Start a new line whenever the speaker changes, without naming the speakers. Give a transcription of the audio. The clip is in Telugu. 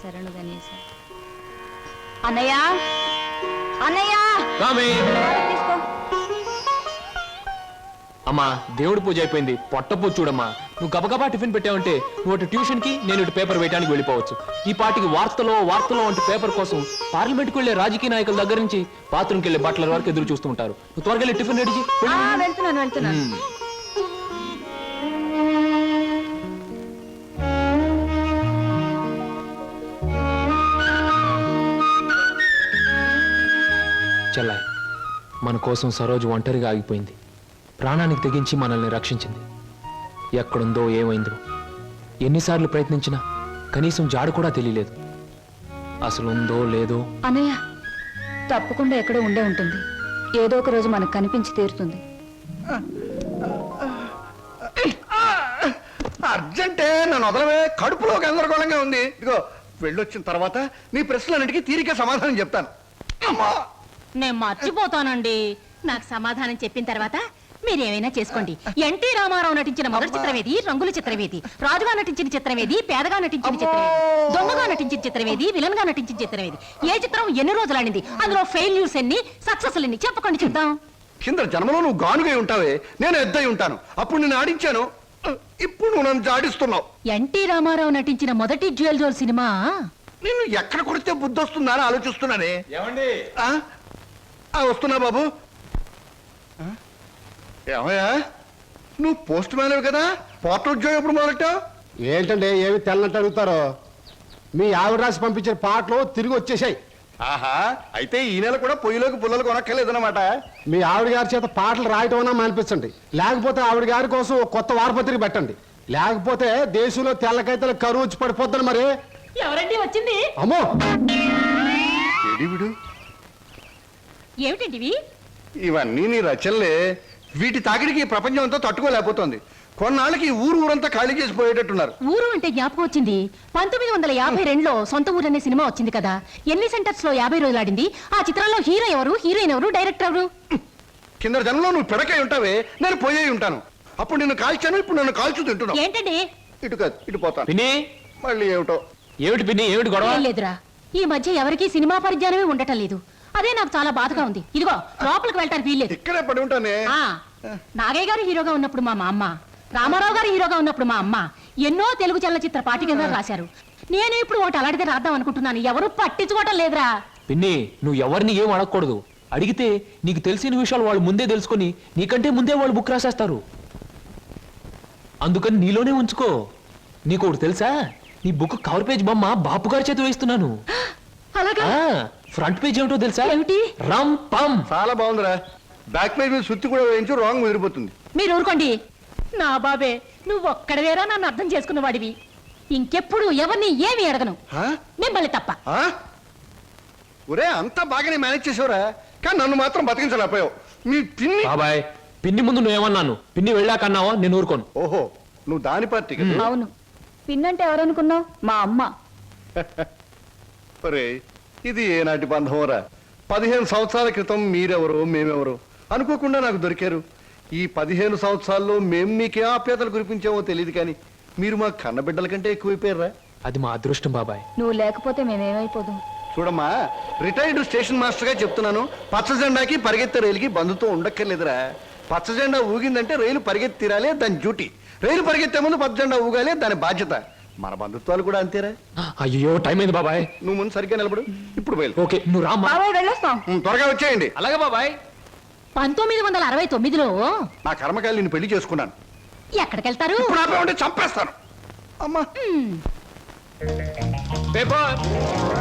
శరణు గణేశ. అన్నయ్య అన్నయ్య తీసుకో.
అమ్మా దేవుడి పూజ అయిపోయింది, పొట్ట పూజ చూడమ్మా. నువ్వు గబగబా టిఫిన్ పెట్టావంటే నువ్వు ట్యూషన్ కి, నేను ఇటు పేపర్ వేయడానికి వెళ్ళిపోవచ్చు. ఈ పాటికి వార్తలో వంటి పేపర్ కోసం పార్లమెంట్కి వెళ్లే రాజకీయ నాయకుల దగ్గర నుంచి బాత్రూమ్కి వెళ్లే బట్టల వరకు ఎదురు చూస్తూ ఉంటారు. నువ్వు త్వరగా వెళ్ళి టిఫిన్ రెడీ చేయి.
వెళ్తున్నాను.
చెల్లాయ్, మన కోసం సరోజు ఒంటరిగా ఆగిపోయింది. ప్రాణానికి తెగించి మనల్ని రక్షించింది. ఎక్కడుందో ఏమైందో ఎన్నిసార్లు ప్రయత్నించినా కనీసం జాడు కూడా తెలియలేదు. అసలు ఉందో లేదో.
అన్నయ్య తప్పకుండా ఎక్కడో ఉండే ఉంటుంది. ఏదో ఒక రోజు మనకు కనిపించి తీరుతుంది.
అర్జెంటే నన్ను వదలవే, కడుపులో గందరగోళంగా ఉంది. ఇదిగో వెళ్ళొచ్చిన తర్వాత నీ ప్రశ్నలన్నిటికీ తీరిక సమాధానం చెప్తాను. అమ్మా,
నేను మర్చిపోతానండి. నాకు సమాధానం చెప్పిన తర్వాత మీరేమైనా చేసుకోండి. ఎన్టీ రామారావు నటించిన మొదటి చిత్రమేది, రంగుల చిత్రమేది, రాజుగా నటించిన చిత్రమేది, పేదగా నటించిన చిత్రమేది, దొంగగా నటించిన చిత్రమేది, విలన్ గా నటించిన చిత్రమేది, ఏ చిత్రం ఎన్ని రోజులు ఆడింది, అందులో ఫెయిల్యూర్స్ ఎన్ని, సక్సెస్ ఎన్ని చెప్పకండి చూద్దాం.
కింద జన్మలో నువ్వు గానుగై ఉంటావే, నేను ఎద్దై ఉంటాను. అప్పుడు నేను ఆడించాను, ఇప్పుడు నువ్వు నన్ను జాడిస్తున్నావు.
ఎన్టీ రామారావు నటించిన మొదటి జ్యువెల్ జోల్ సినిమా
నిన్ను ఎక్కడ కొడితే బుద్ధి వస్తుందా అని ఆలోచిస్తున్నానే.
ఏమండి?
వస్తున్నా బాబు. ఏమయ్యా, నువ్వు పోస్ట్ మ్యాన్ కదా, పోర్టల్ ఉద్యోగం ఎప్పుడు మొదలెట్టావు?
ఏంటంటే ఏమి తెల్లనట్టు అడుగుతారో. మీ ఆవిడ రాసి పంపించిన పాటలు తిరిగి వచ్చేసాయి.
ఆహా, అయితే ఈ నెల కూడా పొయ్యిలోకి పుల్లలు కొనక్కర్లేదన్నమాట.
మీ ఆవిడ గారి చేత పాటలు రాయటం అన్నా మానిపించండి, లేకపోతే ఆవిడ గారి కోసం ఒక కొత్త వారపత్రిక పెట్టండి. లేకపోతే దేశంలో తెల్లకైతే కరువు వచ్చి పడిపోద్దని. మరి
ఎవరండి వచ్చింది?
అమ్మో,
విడు
ఏమిటండి
ఇవన్నీ నీ రచనలే. వీటి తాకిడికి ఈ ప్రపంచం అంతా తట్టుకోలేకపోతుంది. కొన్నాళ్ళకి ఊరంతా ఖాళీ చేసి పోయేటట్టున్నారు.
ఊరు అంటే జ్ఞాపకం వచ్చింది. 1952లో సొంత ఊరు అనే సినిమా వచ్చింది కదా. ఎన్ని సెంటర్స్ లో 50 రోజులు ఆడింది. ఆ చిత్రంలో హీరో ఎవరు, హీరోయిన్ ఎవరు, డైరెక్టర్ ఎవరు?
కింద జనంలో నువ్వు పిడకై ఉంటావే, నేను పోయే ఉంటాను. అప్పుడు నిన్ను కాల్చాను, ఇప్పుడు నన్ను కాల్చు తింటున్నావు.
ఏంటండి?
ఇటు కాదు, ఇటు పోతాను.
పిన్ని,
మళ్ళీ ఏమిటో.
ఏమిటి పిన్ని, ఏమిటి గొడవ?
ఏం లేదురా, ఈ మధ్య ఎవరికీ సినిమా పరిజ్ఞానమే ఉండటం లేదు. అదే నాకు చాలా బాధగా ఉంది. ఇదిగో లోపలికి వెళ్ళటానికి వీల్లేదు.
ఇక్కడే పడి ఉంటానే.
నాగయ్య గారు హీరోగా ఉన్నప్పుడు మా అమ్మ, రామారావు గారు హీరోగా ఉన్నప్పుడు మా అమ్మ ఎన్నో తెలుగు చలనచిత్ర పాఠికగా రాశారు. నేను ఇప్పుడు ఒకటి అలాంటిదే రాద్దాం అనుకుంటున్నాను. ఎవరు పట్టించుకోవటం లేదురా.
పిన్ని, నువ్వు ఎవరిని ఏం అడగకూడదు. అడిగితే నీకు తెలిసిన విషయాలు వాళ్ళు ముందే తెలుసుకొని నీకంటే ముందే వాళ్ళు బుక్ రాసేస్తారు. అందుకని నీలోనే ఉంచుకో. నీకు ఒకటి తెలుసా, నీ బుక్ కవర్ పేజ్ బొమ్మ బాపు గారి చేత వేస్తున్నాను.
అలాగా?
ఫ్రంట్ పేజ్ ఏమిటో తెలుసా?
ఏమిటి?
రమ్ పమ్.
చాలా బాగుందిరా. బ్యాక్ పేజ్ మీద సుత్తి కూడా వేయించు, రాంగ్ ముదిరిపోతుంది.
మీరు ఊరుకోండి. నా బాబే, నువ్వు ఒక్కడవేరా నన్ను అర్థం చేసుకున్న వాడివి. ఇంకెప్పుడు ఎవరిని ఏమి అడగను, మిమ్మల్ని తప్ప.
ఒరే, అంతా బాగానే మేనేజ్ చేసేవరా, కానీ నన్ను మాత్రం బతికించలేకపోయావు. మీ పిన్ని.
బాబాయ్, పిన్ని ముందు నువ్వేమన్నాను, పిన్ని వెళ్ళాకన్నావా? నేను ఊరుకోను.
ఓహో, నువ్వు దాని పార్టీ కదా.
అవును, పిన్నంటే ఎవరనుకున్నావు? మా అమ్మ.
ఒరే, ఇది ఏనాటి బంధమోరా. 15 సంవత్సరాల క్రితం మీరెవరో మేమెవరో అనుకోకుండా నాకు దొరికారు. ఈ 15 సంవత్సరాల్లో మేము మీకే ఆప్యాతలు కురిపించామో తెలియదు, కానీ మీరు మా కన్నబిడ్డల కంటే ఎక్కువైపోయారా.
అది మా అదృష్టం బాబాయ్.
నువ్వు లేకపోతే మేమేమైపోదాం.
చూడమ్మా, రిటైర్డ్ స్టేషన్ మాస్టర్ గా చెప్తున్నాను, పచ్చ జెండాకి పరిగెత్తే రైలుకి బంధుతో ఉండక్కర్లేదురా. పచ్చ జెండా ఊగిందంటే రైలు పరిగెత్తి తీరాలే, దాని డ్యూటీ. రైలు పరిగెత్తే ముందు పచ్చ జెండా ఊగాలే, దాని బాధ్యత. మన బంధుత్వాలు కూడా అంతేరా.
అయ్యో, టైం అయింది బాబాయ్.
నువ్వు ముందు సరిగ్గా నిలబడు, ఇప్పుడు బయలు.
ఓకే, నువ్వు రామ్మా.
వెళ్ళొస్తాం.
త్వరగా వచ్చేయండి.
అలాగే బాబాయ్.
1969లో
నా కర్మకాయలు నిన్ను పెళ్లి చేసుకున్నాను.
ఎక్కడికెళ్తారు?
ఇప్పుడు ఆపే ఉంటే చంపేస్తాను. అమ్మా,
పేపర్